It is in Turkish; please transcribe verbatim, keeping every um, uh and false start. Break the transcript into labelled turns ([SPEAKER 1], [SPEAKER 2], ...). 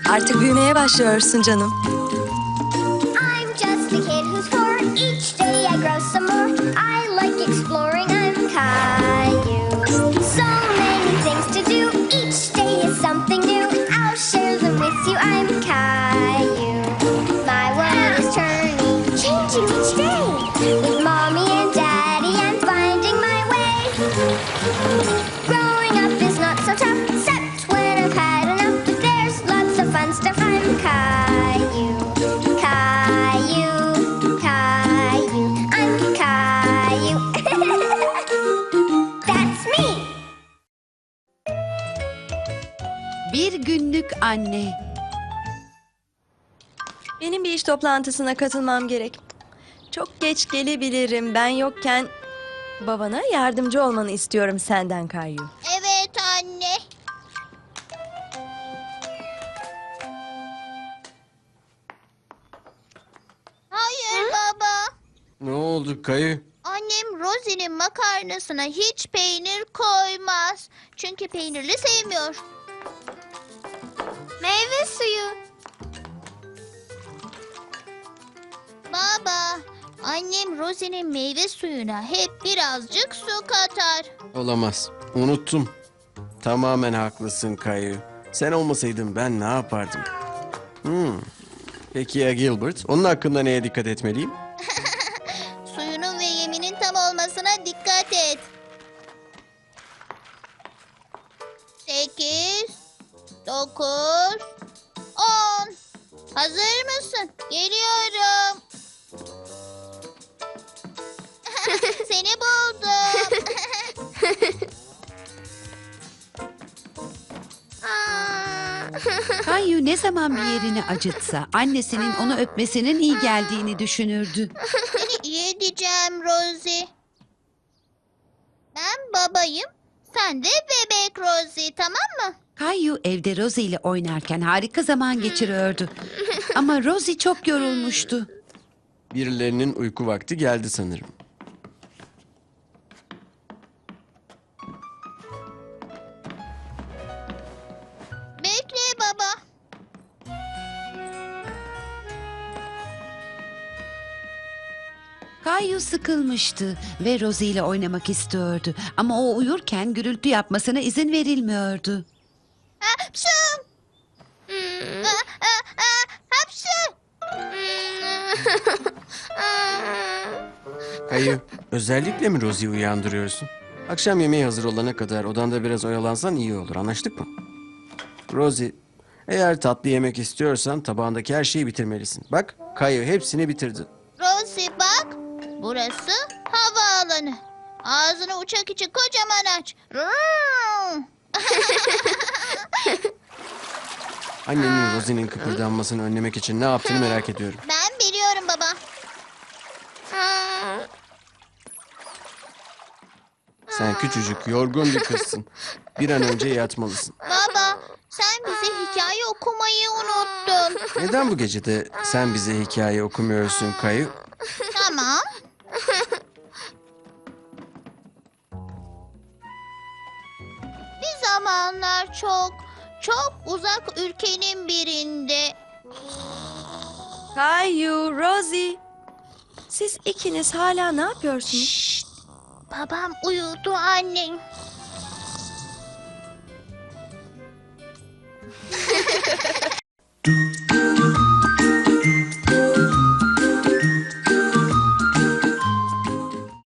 [SPEAKER 1] Artık büyümeye başlıyorsun canım.
[SPEAKER 2] I'm just a kid who's four. Each day I grow some more. I like exploring. I'm Caillou. So many things to do. Each day is something new. I'll share them with you. I'm Caillou. My world is turning, changing each day. With mommy and daddy, I'm finding my way. Growing up is not so tough, except when I've had enough. But there's lots of fun stuff. I'm Caillou. Caillou, Caillou, I'm Caillou. That's me.
[SPEAKER 3] Bir günlük anne.
[SPEAKER 1] Benim bir iş toplantısına katılmam gerek. Çok geç gelebilirim. Ben yokken babana yardımcı olmanı istiyorum senden Caillou.
[SPEAKER 2] Evet anne. Hayır baba.
[SPEAKER 4] Ne oldu Kayı?
[SPEAKER 2] Annem Rosie'nin makarnasına hiç peynir koymaz. Çünkü peynirli sevmiyor. Meyve suyu. Baba, annem Rosie'nin meyve suyuna hep birazcık su katar.
[SPEAKER 4] Olamaz. Unuttum. Tamamen haklısın Kayı. Sen olmasaydın ben ne yapardım? Hmm. Peki ya Gilbert? Onun hakkında neye dikkat etmeliyim?
[SPEAKER 2] Suyunun ve yeminin tam olmasına dikkat et. Sekiz, dokuz, on. Hazır mısın? Geliyorum. Seni buldum.
[SPEAKER 3] Caillou ne zaman bir yerini acıtsa annesinin onu öpmesinin iyi geldiğini düşünürdü.
[SPEAKER 2] Seni iyi edeceğim Rosie. Ben babayım, sen de bebek Rosie, tamam mı?
[SPEAKER 3] Caillou evde Rosie ile oynarken harika zaman geçiriyordu. Ama Rosie çok yorulmuştu.
[SPEAKER 4] Birilerinin uyku vakti geldi sanırım.
[SPEAKER 2] Bekle baba.
[SPEAKER 3] Caillou sıkılmıştı ve Rosie ile oynamak istiyordu. Ama o uyurken gürültü yapmasına izin verilmiyordu.
[SPEAKER 2] Hapşu! Ah, ah, ah, Hapşu!
[SPEAKER 4] Kayı, özellikle mi Rosie'yi uyandırıyorsun? Akşam yemeği hazır olana kadar odanda biraz oyalansan iyi olur. Anlaştık mı? Rosie, eğer tatlı yemek istiyorsan tabağındaki her şeyi bitirmelisin. Bak, Kayı hepsini bitirdi.
[SPEAKER 2] Rosie bak, burası havaalanı. Ağzını uçak için kocaman aç. Rrrr!
[SPEAKER 4] Annenin Rosie'nin kıpırdanmasını önlemek için ne yaptığını merak ediyorum.
[SPEAKER 2] Ben biliyorum baba.
[SPEAKER 4] Sen küçücük, yorgun bir kızsın. Bir an önce yatmalısın.
[SPEAKER 2] Baba, sen bize hikaye okumayı unuttun.
[SPEAKER 4] Neden bu gecede sen bize hikaye okumuyorsun Kayı?
[SPEAKER 2] Tamam. Bir zamanlar çok, çok uzak ülkenin birinde.
[SPEAKER 1] Caillou, Rosie. Siz ikiniz hala ne yapıyorsunuz?
[SPEAKER 2] Şşt, babam uyudu annen.
[SPEAKER 5] do